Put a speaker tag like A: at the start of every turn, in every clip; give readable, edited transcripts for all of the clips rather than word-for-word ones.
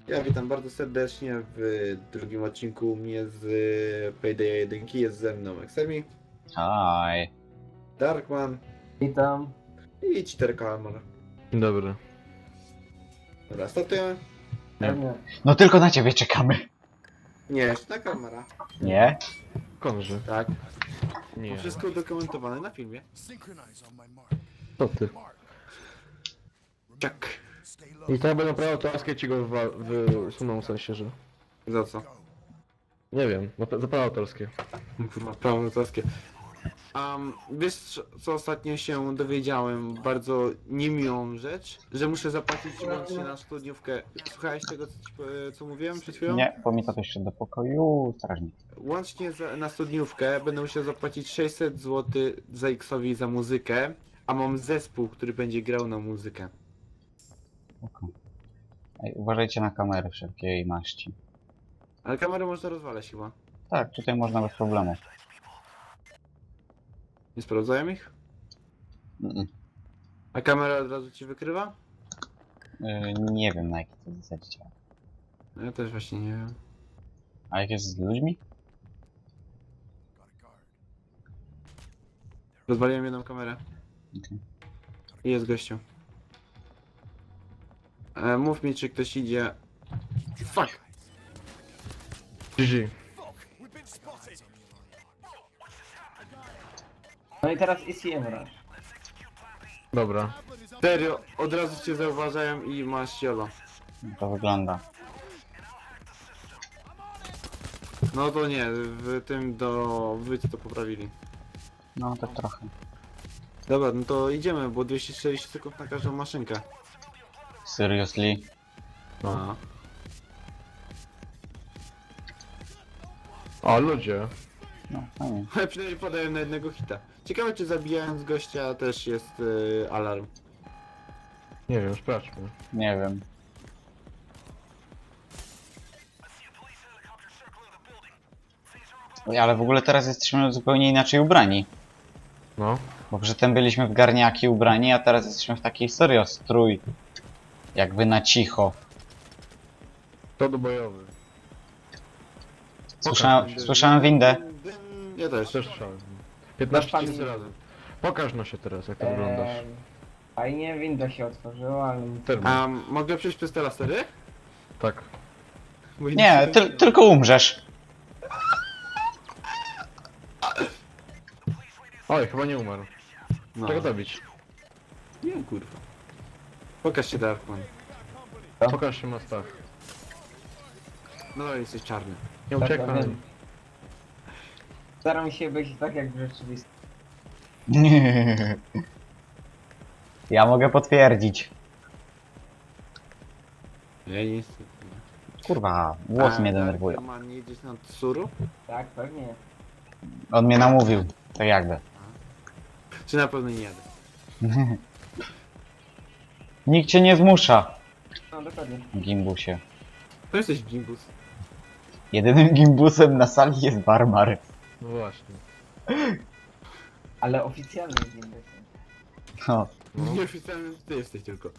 A: Ja witam bardzo serdecznie w drugim odcinku u mnie z Payday 1. Jest ze mną Exemi,
B: Hi.
A: Darkman
C: Witam.
A: i Cheater Kalmar.
D: Dobry.
A: Dobra, startujemy?
C: Pewnie.
B: No tylko na ciebie czekamy.
A: Nie, jeszcze na Kalmara.
B: Nie?
D: Konży.
A: Tak.
D: Nie.
A: Wszystko udokumentowane na filmie.
D: To ty.
A: Czak.
D: I to będą prawo autorskie ci go wysuną w sensie, że...
A: Za co?
D: Nie wiem, za prawo autorskie.
A: Kurwa, prawo autorskie. Wiesz co ostatnio się dowiedziałem? Bardzo niemiłą rzecz, że muszę zapłacić łącznie na studniówkę. Słuchałeś tego co mówiłem przed chwilą?
B: Nie, bo mi to jeszcze do pokoju strażnik.
A: Łącznie na studniówkę będę musiał zapłacić 600 zł za X-owi za muzykę, a mam zespół, który będzie grał na muzykę.
B: Oko. Ej, uważajcie na kamery wszelkiej maści.
A: Ale kamerę można rozwalać chyba.
B: Tak, tutaj można bez problemu.
A: Nie sprawdzają ich?
B: Mm-mm.
A: A kamera od razu ci wykrywa?
B: Nie wiem na jakiej to zasadzie działa.
A: No ja też właśnie nie wiem.
B: A jak jest z ludźmi?
A: Rozwaliłem jedną kamerę.
B: Okej.
A: I jest gościu. Mów mi, czy ktoś idzie. Fuck!
D: GG.
C: No i teraz ECM Rush.
D: Dobra.
A: Serio, od razu cię zauważają i masz jolo.
B: To wygląda.
A: No to nie, w tym do wyjścia to poprawili.
B: No tak trochę.
A: Dobra, no to idziemy, bo 240 sekund na każdą maszynkę.
B: Seriously?
A: No.
D: O, ludzie.
B: No fajnie.
A: Ale przynajmniej padają na jednego hita. Ciekawe, czy zabijając gościa też jest alarm.
D: Nie wiem, sprawdźmy.
B: Nie wiem. Oj, ale w ogóle teraz jesteśmy zupełnie inaczej ubrani.
D: No.
B: Bo przedtem byliśmy w garniaki ubrani, a teraz jesteśmy w takiej serio strój. Jakby na cicho.
D: To do bojowy.
B: Słyszałem windę.
A: Ja też.
D: Też słyszałem. 15
C: Masz
D: tysięcy razy. Pokaż no się teraz, jak to wyglądasz.
C: Fajnie, window się otworzyła, ale...
D: Termin.
A: A mogę przejść przez te lasery?
D: Tak.
A: Bo
B: Nie, tylko umrzesz.
D: Oj, chyba nie umarł.
A: No.
D: Czego dobić?
A: Nie, kurwa. Pokaż się, Darkman.
D: Pokaż się Mastach.
A: No, jesteś czarny.
D: Nie
C: Tak,
D: uciekaj.
C: wiem. Staram się być tak jak w rzeczywistości.
B: Ja mogę potwierdzić.
A: Ja nic.
B: Kurwa, włosy mnie denerwują.
A: Darkman, nie jedziesz na Tsuru?
C: Tak, pewnie.
B: On mnie namówił. Tak jakby.
A: Czy na pewno nie jadę?
B: Nikt cię nie zmusza.
C: No dokładnie.
B: Gimbusie.
A: To jesteś gimbus.
B: Jedynym gimbusem na sali jest Barbar.
D: No właśnie.
C: Ale oficjalnie jest window.
B: No.
D: No.
A: Nieoficjalny ty jesteś tylko.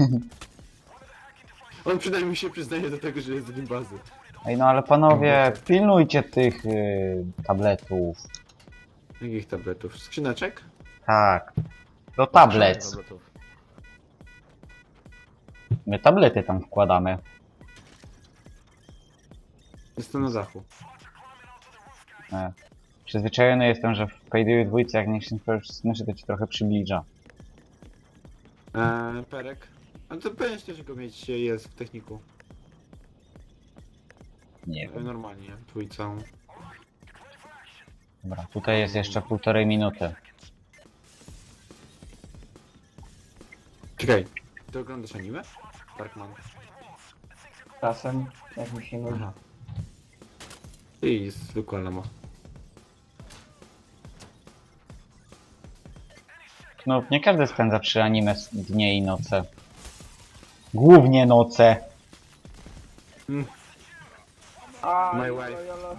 A: On przynajmniej się przyznaje do tego, że jest gimbazy.
B: Ej no ale panowie, pilnujcie tych tabletów.
A: Jakich tabletów? Skrzyneczek?
B: Tak. To tablet.
D: Tabletów.
B: My tablety tam wkładamy.
A: Jestem na dachu.
B: Przyzwyczajony jestem, że w Payday 2 jak nie się myszy, to ci trochę przybliża.
A: Perek. A to pewnie że go mieć jest w techniku.
B: Nie wiem.
A: Normalnie, dwójcą.
B: Dobra, tutaj jest jeszcze 1,5 minuty.
A: Czekaj, ty oglądasz anime? Darkman.
C: Czasem, jak mi się nudzi.
A: Aha. I zwykła lama.
B: No, nie każdy spędza przy anime dnie i noce. Głównie noce.
C: A,
A: My
C: jolo,
A: wife.
C: jolo.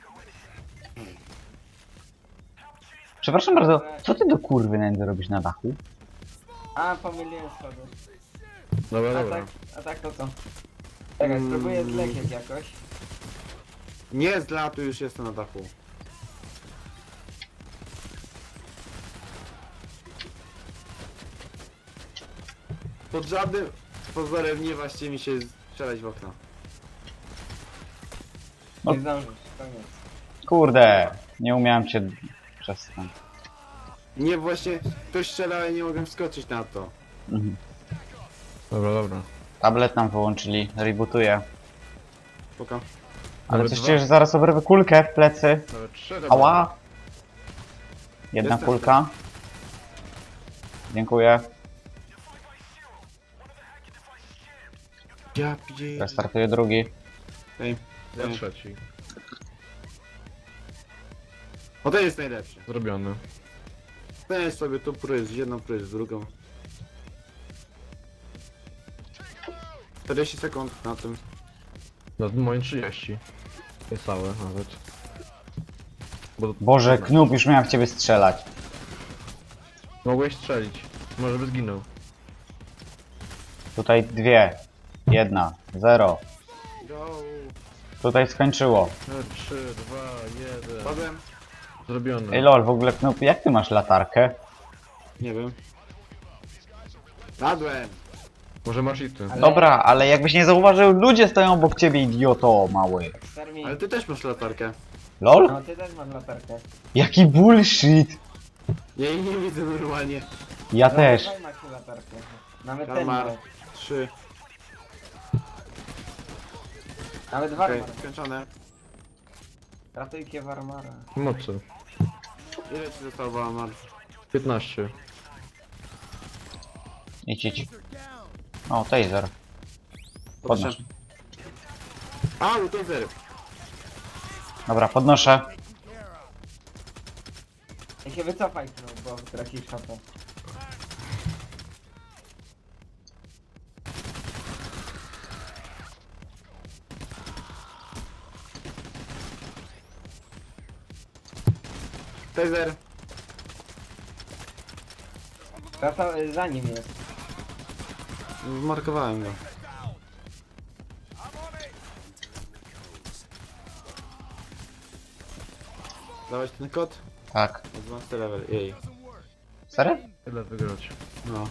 B: Przepraszam bardzo, co ty do kurwy nędzy robisz na dachu?
C: A, pomyliłem schody.
D: Dobra,
C: A
D: dobra.
C: tak to co? Czekaj, spróbuję zlecieć jakoś.
A: Nie, z latu już jestem na dachu. Pod żadnym pozorem nie właśnie mi się strzelać w okno.
B: No.
C: Nie zdążysz, koniec.
B: Kurde, nie umiałem cię przez ten.
A: Nie, właśnie ktoś strzelał, ja nie mogłem wskoczyć na to.
B: Mhm.
D: Dobra, dobra.
B: Tablet nam wyłączyli, rebootuję.
A: Poka.
B: Ale
D: Nawet
B: coś
D: dwa.
B: czuję, że zaraz oberwę kulkę w plecy.
D: Nawet 3
B: Ała! Jedna
A: Jestem.
B: kulka. Dziękuję.
A: Ja piję.
B: Restartuję drugi.
A: Ej,
D: Ja
A: ej.
D: trzeci.
A: O, to jest najlepsze.
D: Zrobiony.
A: Weź sobie tu pryz, jedną pryz, drugą. 40 sekund na tym.
D: No moim 30. Niecałe nawet. Bo
B: Boże, Knub, już miałem w ciebie strzelać.
D: mogłeś strzelić. Może by zginął.
B: Tutaj dwie. Jedna. Zero.
A: Go!
B: Tutaj skończyło.
D: 3, 2, 1.
A: Padłem?
D: Zrobiony.
B: Ej lol, w ogóle Knub, jak ty masz latarkę?
A: Nie wiem. Padłem!
D: Może masz i ty.
C: Ale-
B: Dobra, ale jakbyś nie zauważył, ludzie stoją obok ciebie, idioto mały.
C: Termin.
A: Ale ty też masz latarkę.
B: Lol?
C: No ty też masz latarkę.
B: Jaki bullshit!
A: Ja jej nie widzę normalnie.
B: Ja też.
C: Dawaj Maciu latarkę. Nawet ten
A: Kalmar.
C: ma.
A: 3.
C: Nawet
A: Okej,
C: Warmar.
A: skończone.
C: Ratujcie Warmara.
D: Mocy.
A: Ile ci zostało, Walmar?
D: 15.
B: Idź. O, taser. Podnoś.
A: Au, to zero.
B: Dobra, podnoszę.
C: Ja się wycofaj, no, bo tracisz HP.
A: Taser.
C: Za nim jest.
A: Zmarkowałem go. Dawać ten kod?
B: Tak.
A: Advanced level, jej.
B: Serio?
D: Tyle wygrać.
A: No.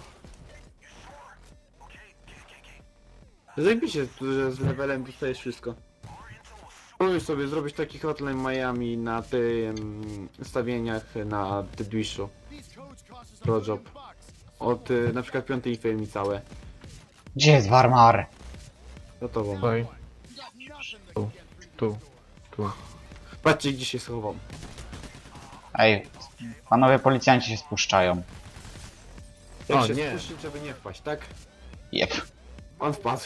A: Zajebiście, że z levelem dostajesz wszystko. Spróbuj sobie zrobić taki hotline Miami na tym stawieniach na Deadwishu. Pro job. Od na przykład 5 firmy całe.
B: Gdzie jest Warmar?
A: Gotową.
D: Tutaj. Tu. Tu. Tu.
A: Patrzcie gdzie się schował.
B: Ej, panowie policjanci się spuszczają.
A: Jak
D: O,
A: się
D: nie.
A: spuścić, żeby nie wpaść, tak?
B: Jep.
A: On wpadł.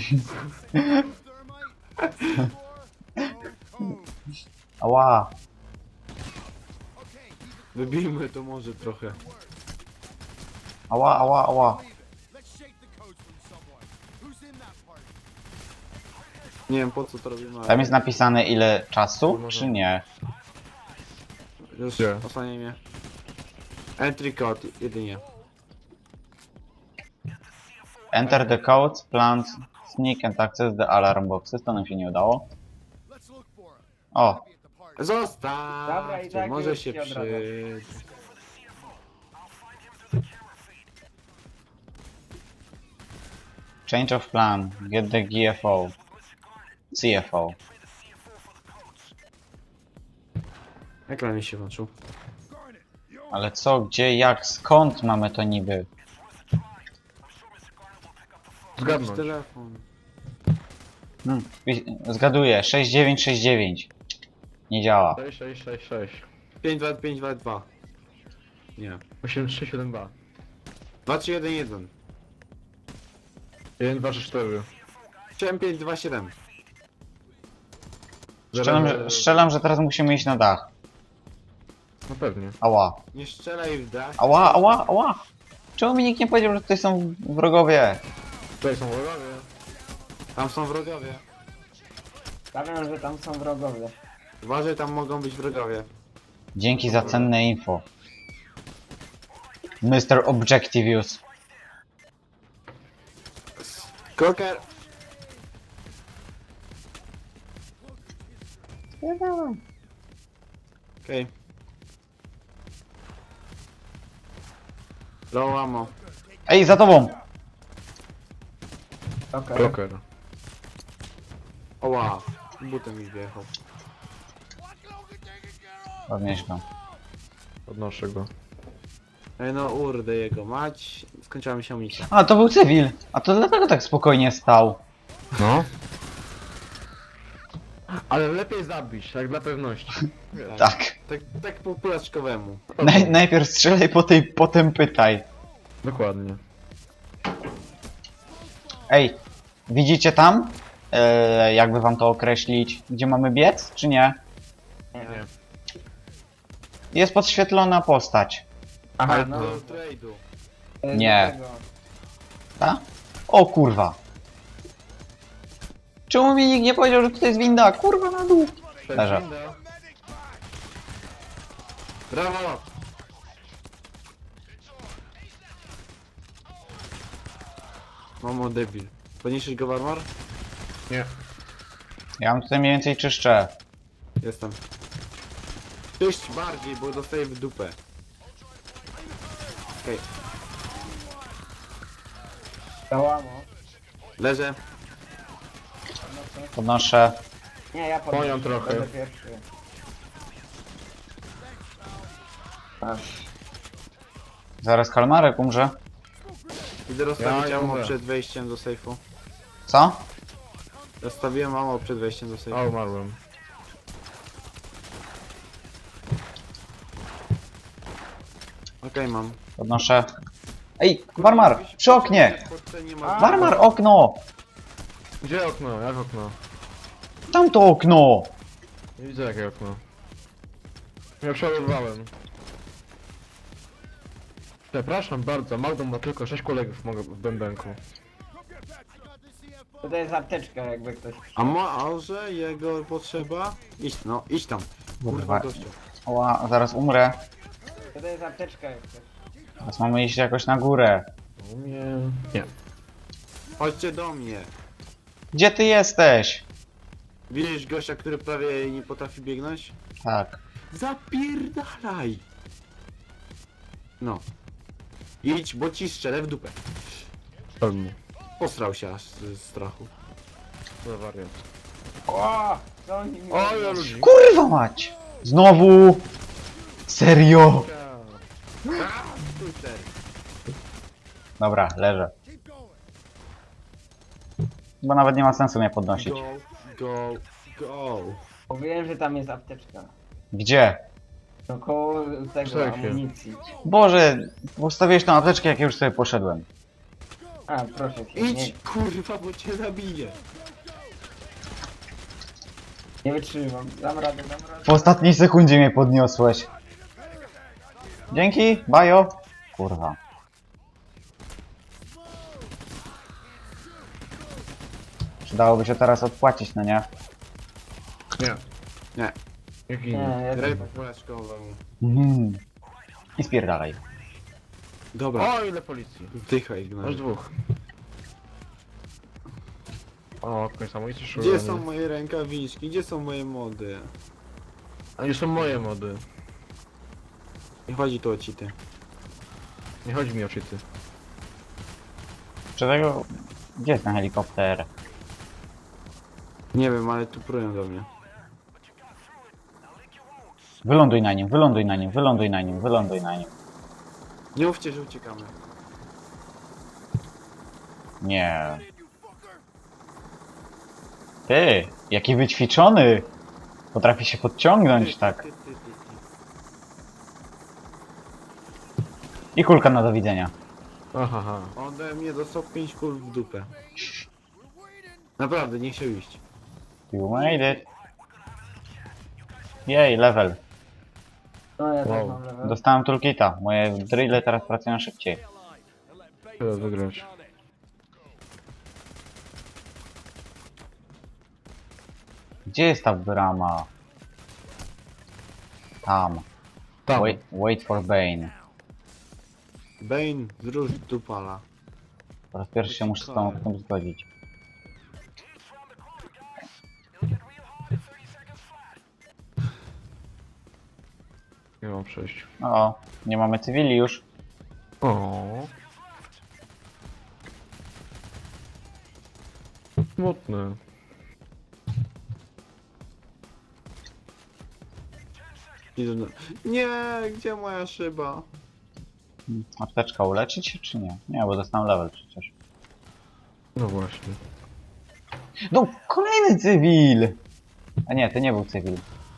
B: Ała.
A: Wybijmy to może trochę.
B: Ała.
A: Nie wiem po co to robimy, ale
B: Tam jest napisane ile czasu, czy nie?
A: już
D: Gdzie?
A: osłaniaj mnie. Entry code jedynie.
B: Enter the codes, plant, sneak and access the alarm boxes. To nam się nie udało. O,
A: Zostaw!
C: Dobra, i tak
A: może
C: już
A: się
C: się odradzam.
A: przy...
B: change of plan, get the GFO. CFO.
A: Ekran mi się włączył.
B: Ale co, gdzie, jak, skąd mamy to niby?
D: Zgadnąć.
A: Telefon.
B: Zgaduję, 6969. Nie działa.
D: 6, 6, 6, 6.
A: 5, 2, 5, 2, 2. Nie.
D: 8, 3, 7, 2.
A: 2, 3, 1, 1.
D: 1, 2, 3, 4.
A: 7, 5, 2, 7.
B: Strzelam, że teraz musimy iść na dach.
D: No pewnie.
B: Ała.
A: Nie strzelaj w dach.
B: Ała. Czemu mi nikt nie powiedział, że tutaj są wrogowie?
D: Tutaj są wrogowie.
A: Tam są wrogowie.
C: Stawiam, że tam są wrogowie.
A: Uważaj, tam mogą być wrogowie.
B: Dzięki za cenne info. Mr. Objectivius.
A: Kroker! Okej. Low ammo.
B: Ej, za tobą!
C: Okej.
D: Joker.
A: O wow. Butem mi wjechał.
B: Podnieś go.
D: Podnoszę go.
A: Ej no urdę jego mać. Skończyła mi się amunicja.
B: A, to był cywil! A to dlatego tak spokojnie stał.
D: No. Ale lepiej zabić, tak dla pewności.
B: Tak.
A: Tak po pulaczkowemu.
B: Najpierw strzelaj, potem pytaj.
D: Dokładnie.
B: Ej, widzicie tam? Jakby wam to określić, gdzie mamy biec, czy nie?
C: Nie.
B: Jest podświetlona postać.
C: Aha,
A: Ale
C: no.
A: do trade'u.
B: Nie.
C: Do tego.
B: Ta? O kurwa. Czemu mi nikt nie powiedział, że tutaj jest winda? Kurwa na dół. Leżę.
A: Brawo! Mamo debil. Podniesiesz go w armor?
D: Nie.
B: Ja mam tutaj mniej więcej czyszczę.
A: Jestem. Czyść bardziej, bo dostaję w dupę. Okej,
C: Załamo.
A: leżę.
B: Podnoszę.
C: Nie, ja podnoszę.
D: Moją trochę.
C: Będę pierwszy. Aż.
B: Zaraz kalmarek umrze.
A: Idę rozstawić
D: Ja
A: ammo
D: umrę.
A: przed wejściem do sejfu.
B: Co?
A: Rozstawiłem ammo przed wejściem do sejfu.
D: A, umarłem.
A: Okej, mam.
B: Podnoszę. Ej, Warmar! Przy oknie! Warmar, okno!
D: Gdzie okno? Jak okno?
B: Tamto okno!
D: Nie widzę jakie okno. Ja przeładowałem. Przepraszam bardzo, Magdą ma tylko 6 kolegów mogę w bębenku.
C: Tutaj jest apteczka, jakby ktoś.
A: A może jego potrzeba? Idź, no, idź tam. Kurwa,
B: Kurwa.
A: gościu.
B: Oła, zaraz umrę.
C: Tutaj jest apteczka, jak ktoś.
B: Teraz mamy iść jakoś na górę.
D: U mnie... Nie.
A: Chodźcie do mnie.
B: Gdzie ty jesteś?
A: Widzisz gościa, który prawie nie potrafi biegnąć?
B: Tak.
A: Zapierdalaj! No. Idź, bo ci strzelę w dupę.
D: Pewnie.
A: Posrał się aż z strachu.
D: To wariat.
C: O! Co oni mi
D: O, ja
C: robią?
D: ludzi.
B: Kurwa mać! Znowu! Serio!
A: Twitter.
B: Dobra, leżę. Bo nawet nie ma sensu mnie podnosić.
A: Go, go, go.
C: Mówiłem, że tam jest apteczka.
B: Gdzie?
C: No koło tego
D: Szefie.
C: amunicji.
B: Boże, ustawiłeś tą apteczkę, jak ja już sobie poszedłem.
C: A, proszę cię.
A: Idź, kurwa, bo cię zabiję.
C: Nie wytrzymam. Dam radę, dam radę.
B: W ostatniej sekundzie mnie podniosłeś. Dzięki, bajo. Kurwa. Przydałoby się teraz odpłacić, no nie?
D: Nie.
A: Nie.
D: Jak
C: Nie,
D: inny.
C: ja
A: Graj
C: też.
A: po polaczkowemu.
B: Mhm. I spierdalaj.
A: Dobra,
D: O, ile policji.
A: zdychaj,
D: Masz
A: Ignacy.
D: dwóch. O, okno samobójcy
A: Gdzie
D: szurany.
A: są moje rękawiczki? Gdzie są moje mody?
D: A nie są moje mody.
A: Nie chodzi tu o cheaty.
D: Nie chodzi mi o cheaty.
B: Czy tego... Gdzie jest ten helikopter?
A: Nie wiem, ale tu prują do mnie.
B: Wyląduj na nim, wyląduj na nim, wyląduj na nim, wyląduj na nim.
A: Nie mówcie, że uciekamy.
B: Nie. Ty, jaki wyćwiczony! Potrafi się podciągnąć tak.
A: Ty.
B: I kulka na do widzenia.
D: Aha.
A: Ode mnie dostał 5 kul w dupę. Naprawdę, nie chciał iść.
B: You made it. Jej, level.
C: No ja
D: Wow.
C: tak mam level.
B: Dostałem toolkita. Moje drille teraz pracują szybciej.
D: Trzeba wygrać.
B: Gdzie jest ta brama? Tam.
D: Tam.
B: Wait for Bane.
A: Bane, zróż dupala.
B: Po raz pierwszy się muszę z tą tym zgodzić.
D: Nie mam przejść.
B: O, nie mamy cywili już.
D: O. Smutne.
A: Idę na... Nie, gdzie moja szyba?
B: Apteczka uleczyć się czy nie? Nie, bo dostałem level przecież.
D: No właśnie.
B: No, kolejny cywil! A nie, to nie był cywil.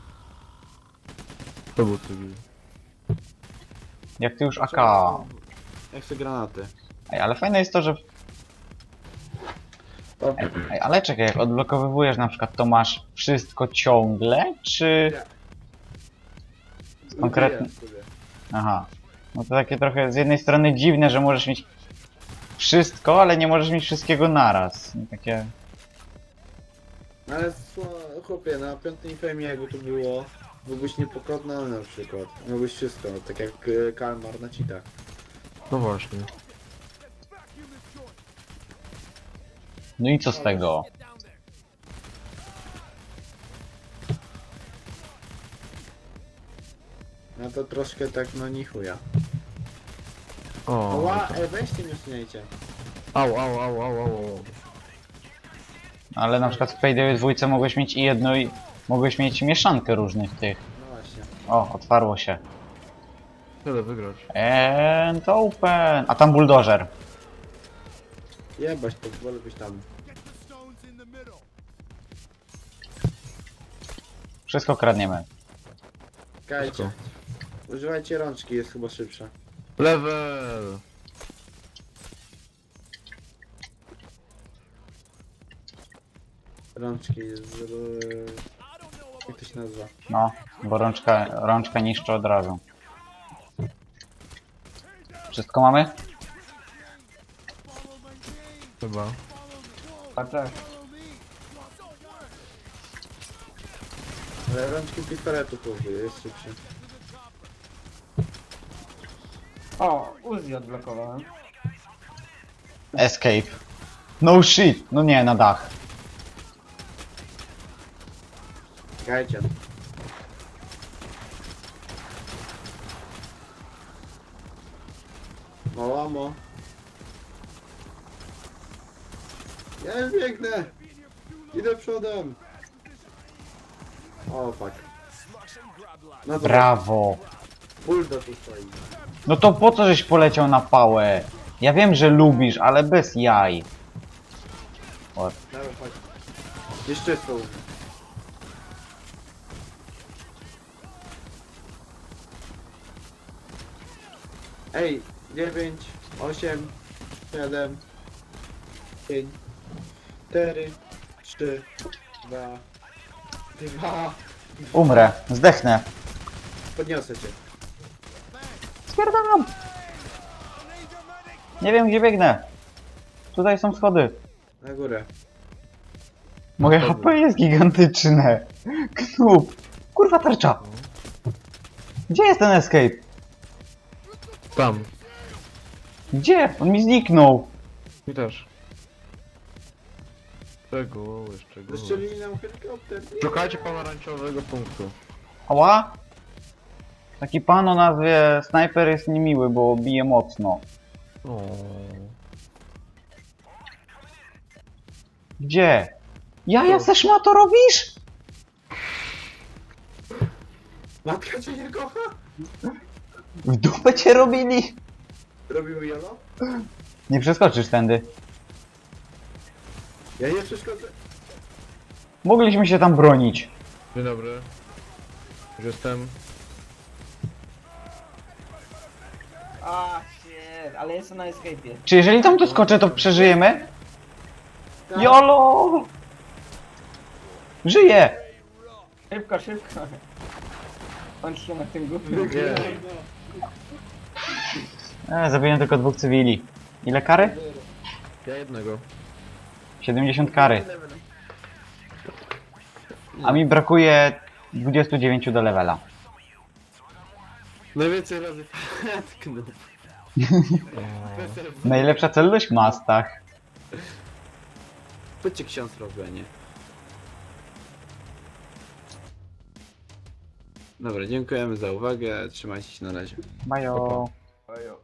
D: To był cywil.
B: Jak ty już AK.
A: Ja chcę granaty.
B: Ej, ale fajne jest to, że... Ej, ale czekaj, jak odblokowywujesz na przykład, to masz wszystko ciągle, czy... Konkretnie.
A: Użyję sobie.
B: Aha. No to takie trochę z jednej strony dziwne, że możesz mieć wszystko, ale nie możesz mieć wszystkiego naraz. I takie...
A: Ale chłopie, na piątej fejmie jakby to było, byłbyś niepokonany na przykład. Miałbyś wszystko, tak jak Kalmar na cheatach.
D: No właśnie.
B: No i co z tego?
A: No to troszkę tak no ni chuja.
D: O.
A: Ła, weźcie mnie śmiejcie.
D: Au, au, au, au, au.
B: Ale na przykład w Payday 2 mogłeś mieć i jedno i... Mogłeś mieć mieszankę różnych tych.
A: No właśnie.
B: O, otwarło się.
D: Tyle wygrać.
B: And open! A tam buldożer.
A: Jebać, to wolę być tam.
B: Wszystko kradniemy.
A: Kajcie. Używajcie rączki, jest chyba szybsza.
D: Level!
A: Rączki z... Jak to się nazywa?
B: No, bo rączka niszczy od razu. Wszystko mamy?
D: Chyba.
C: A tak.
A: Ale rączki pistoletu chłopie, jest szybszy.
C: O, Uzi odblokowałem.
B: Escape. No shit! No nie, na dach.
A: Czekajcie. Małamo. Ja już biegnę. Idę przodem. O fuck. No to
B: Brawo!
A: bulldog tu stoi.
B: No to po co żeś poleciał na pałę? Ja wiem, że lubisz, ale bez jaj. O,
A: Dawaj, chodź. Jeszcze są. Ej, 9, 8, 7, 5, 4, 3, 2, 2.
B: umrę, zdechnę.
A: Podniosę cię.
B: Spierdalam! Nie wiem, gdzie biegnę. Tutaj są schody.
A: Na górę.
B: Moje HP jest gigantyczne. Knub. Kurwa tarcza. Gdzie jest ten escape?
D: Tam.
B: Gdzie? On mi zniknął.
D: Mi też. Czego? Czego?
A: Zastrzelili nam helikopter. Nie.
D: Szukajcie pomarańczowego punktu.
B: Ała? Taki pan o nazwie Sniper jest niemiły, bo bije mocno.
D: O.
B: Gdzie? Ja ze szmato robisz?
A: Matka cię nie kocha?
B: W dupę cię robili?
A: Robimy jolo?
B: Nie przeskoczysz tędy.
A: Ja nie przeszkodzę.
B: Mogliśmy się tam bronić.
D: Dzień dobry. Już jestem.
C: A, shit, ale jestem na escape'ie.
B: Czy jeżeli tam doskoczę, to przeżyjemy?
A: Tak.
B: YOLO! Żyję!
C: Szybko, szybko. On się na tym głupim.
D: Nie.
B: Zabiłem tylko 2 cywili. Ile kary?
D: Ja jednego.
B: 70 kary. A mi brakuje 29 do levela.
A: Najwięcej razy tknął.
B: Najlepsza celność? Mastach.
A: Chodźcie ksiądz robienie. Dobra, dziękujemy za uwagę, trzymajcie się na razie.
B: Bajo.
C: Ojo.